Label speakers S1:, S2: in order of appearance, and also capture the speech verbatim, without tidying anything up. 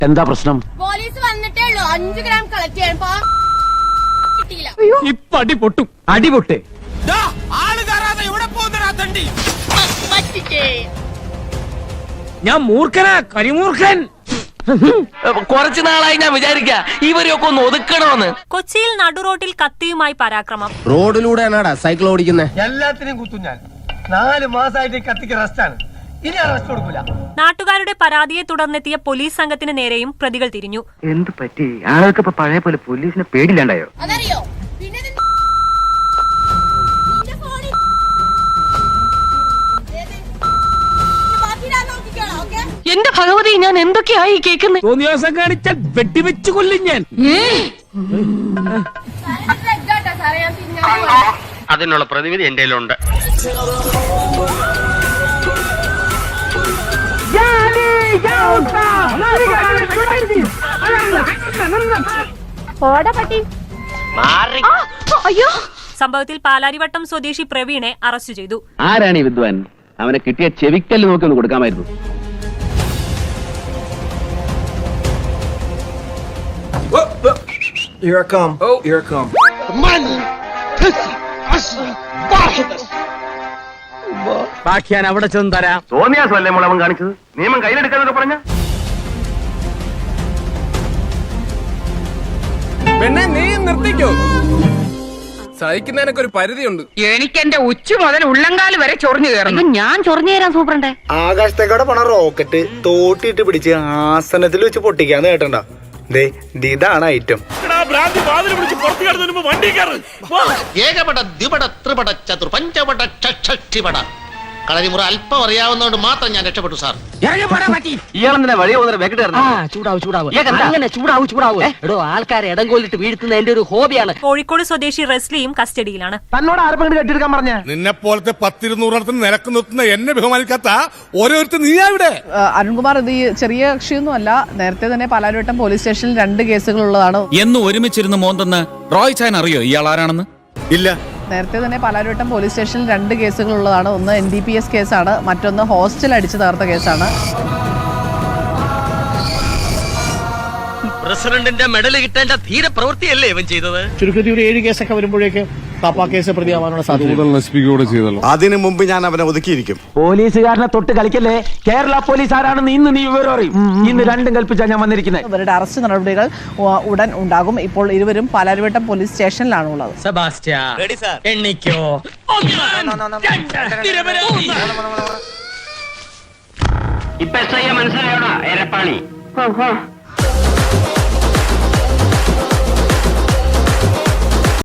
S1: എന്താ പ്രശ്നം?
S2: പോലീസ് വന്നിട്ടേ ഉള്ളൂ. അഞ്ചു ഗ്രാം കളക്ട് ചെയ്യാൻ കിട്ടിയില്ല.
S1: ഇപ്പൊ അടി പൊട്ടും. അടി പൊട്ടേ. ഞാൻ മൂർഖനാ, കരിമൂർഖൻ.
S3: കുറച്ചു നാളായി ഞാൻ വിചാരിക്ക ഇവരെയൊക്കെ ഒന്ന് ഒതുക്കണമെന്ന്.
S4: കൊച്ചിയിൽ നടുറോട്ടിൽ കത്തിയുമായി പരാക്രമം.
S5: റോഡിലൂടെയാണാടാ സൈക്കിൾ ഓടിക്കുന്നത്.
S6: എല്ലാത്തിനും കുത്തും ഞാൻ. നാല് മാസമായിട്ട് കത്തിക്ക് റെസ്റ്റാണ്. ഇനി റെസ്റ്റ് കൊടുക്കൂല.
S4: നാട്ടുകാരുടെ പരാതിയെ തുടർന്നെത്തിയ പോലീസ് സംഘത്തിന് നേരെയും പ്രതികൾ തിരിഞ്ഞു.
S7: എന്ത് പറ്റി? ആൾക്ക് ഇപ്പൊ പഴയ പോലെ പോലീസിനെ പേടില്ലാണ്ടായോ?
S2: അതറിയോ? പിന്നെ ഇത് നിന്റെ ഫോണിൽ ഏത്? ഇത് ബാക്കി ഞാൻ നോക്കിക്കോളാം. ഓക്കേ?
S3: എന്റെ ഭഗവതി, ഞാൻ എന്തൊക്കെയായി കേൾക്കുന്നത്?
S1: തോന്നിയാസം കാണിച്ചാൽ വെട്ടിവെച്ചു കൊല്ലും ഞാൻ.
S2: സാറേ, ഇത് ലെഗാട്ടാ സാറേ. ഞാൻ തിരിഞ്ഞാൽ പോവാ.
S8: അതിനുള്ള പ്രതിവിധി എന്റെ കയ്യിലുണ്ട്.
S4: സംഭവത്തിൽ പാലാരിവട്ടം സ്വദേശി പ്രവീണെ അറസ്റ്റ് ചെയ്തു.
S7: ആരാണ് ഈ വിദ്വാൻ? അവനെ കിട്ടിയ ചെവിക്കല്ല് നോക്കി ഒന്ന് കൊടുക്കാമായിരുന്നു.
S6: Here I come. Oh, here I come.
S1: ബാക്കി ഞാൻ അവിടെ ചെന്ന് തരാം.
S7: തോന്നിയാസല്ലേ മോളവൻ കാണിച്ചത്? നിയമം കയ്യിലെടുക്കാന്നൊക്കെ പറഞ്ഞ
S9: പെണ്ണെ, നീ നിർത്തിക്കോ. സഹിക്കുന്നതിനൊക്കെ ഒരു പരിധിയുണ്ട്.
S3: എനിക്ക് എന്റെ ഉച്ച മുതൽ ഉള്ളങ്കാല് വരെ ചൊറിഞ്ഞു കയറുന്നു. ഞാൻ ചൊറിഞ്ഞു തരാൻ സൂപ്രണ്ടേ.
S5: ആകാശത്തേക്കോടെ പോണ റോക്കറ്റ് തോട്ടിട്ട് പിടിച്ച് ആസനത്തിൽ വെച്ച് പൊട്ടിക്കാന്ന് കേട്ടണ്ട. ദേ ഇതാണ് ഐറ്റം.
S8: ഏകപട ദ്വിപട ത്രിപട ചതുർ പഞ്ചപട ഷഷ്ടിപട കളരിമുറ അല്പം അറിയാവുന്നതുകൊണ്ട് മാത്രം ഞാൻ രക്ഷപ്പെട്ടു സാർ.
S7: ഇയാളെന്തിനാ വഴി പോകുന്ന വെക്കിട്ട്
S3: ചൂടാവും ചൂടാവും അങ്ങനെ ചൂടാവും ചൂടാവും. എടോ, ആൾക്കാരെ ഇടം കൊല്ലിട്ട് വീഴ്ത്തുന്ന എന്റെ ഒരു ഹോബിയാണ്.
S4: കോഴിക്കോട് സ്വദേശി റെസ്ലിയും കസ്റ്റഡിയിലാണ്.
S5: തന്നോട് ആരെങ്കിലും കെട്ടിയെടുക്കാൻ പറഞ്ഞ?
S9: നിന്നെ പോലത്തെ പത്തിരുന്നൂറിടത്തിന് നിരക്ക് നിർത്തുന്ന എന്നെ ബഹുമാനിക്കാത്ത ഓരോരുത്തർ നീയാ ഇവിടെ.
S10: അരുൺകുമാർ, ഇത് ഈ ചെറിയ കക്ഷിയൊന്നും അല്ല. നേരത്തെ തന്നെ പാലാരിവട്ടം പോലീസ് സ്റ്റേഷനിൽ രണ്ട് കേസുകൾ ഉള്ളതാണ്.
S11: എന്ന് ഒരുമിച്ചിരുന്ന് മോന്തെന്ന് റോയ് ചാൻ അറിയോ ഇയാൾ ആരാണെന്ന്?
S9: ഇല്ല.
S10: നേരത്തെ തന്നെ പാലാരിവട്ടം പോലീസ് സ്റ്റേഷനിൽ രണ്ട് കേസുകൾ ഉള്ളതാണ്. ഒന്ന് എൻ ഡി പി എസ് കേസാണ്, മറ്റൊന്ന് ഹോസ്റ്റൽ അടിച്ചു തകർത്ത കേസാണ്.
S3: പ്രസിഡന്റിന്റെ മെഡൽ കിട്ടേണ്ട ധീര പ്രവൃത്തിയല്ലേ ഇവൻ ചെയ്തത്?
S5: ചുരുക്കത്തിൽ ഒരു ഏഴ് കേസൊക്കെ വരുമ്പോഴേക്ക് പാപ്പാ കേസ് പ്രതിയാവാനുള്ള സാധ്യത.
S9: അതിനു മുമ്പ് ഞാൻ അവനെ ഒതുക്കിയിരിക്കും.
S1: പോലീസുകാരനെ തൊട്ട് കളിക്കല്ലേ. കേരള പോലീസ് ആരാണെന്ന് ഇന്ന് നീ വിവരം അറിയും. ഇന്ന് രണ്ടും കൽപ്പിച്ചാ ഞാൻ വന്നിരിക്കുന്നത്.
S10: ഇവരുടെ അറസ്റ്റ് നടപടികൾ ഉ- ഉടൻ ഉണ്ടാകും. ഇപ്പോൾ ഇരുവരും പാലാരിവട്ടം പോലീസ് സ്റ്റേഷനിലാണ് ഉള്ളത്.
S7: ഇപ്പൊ മനസ്സിലായോടാ എരപ്പാളി?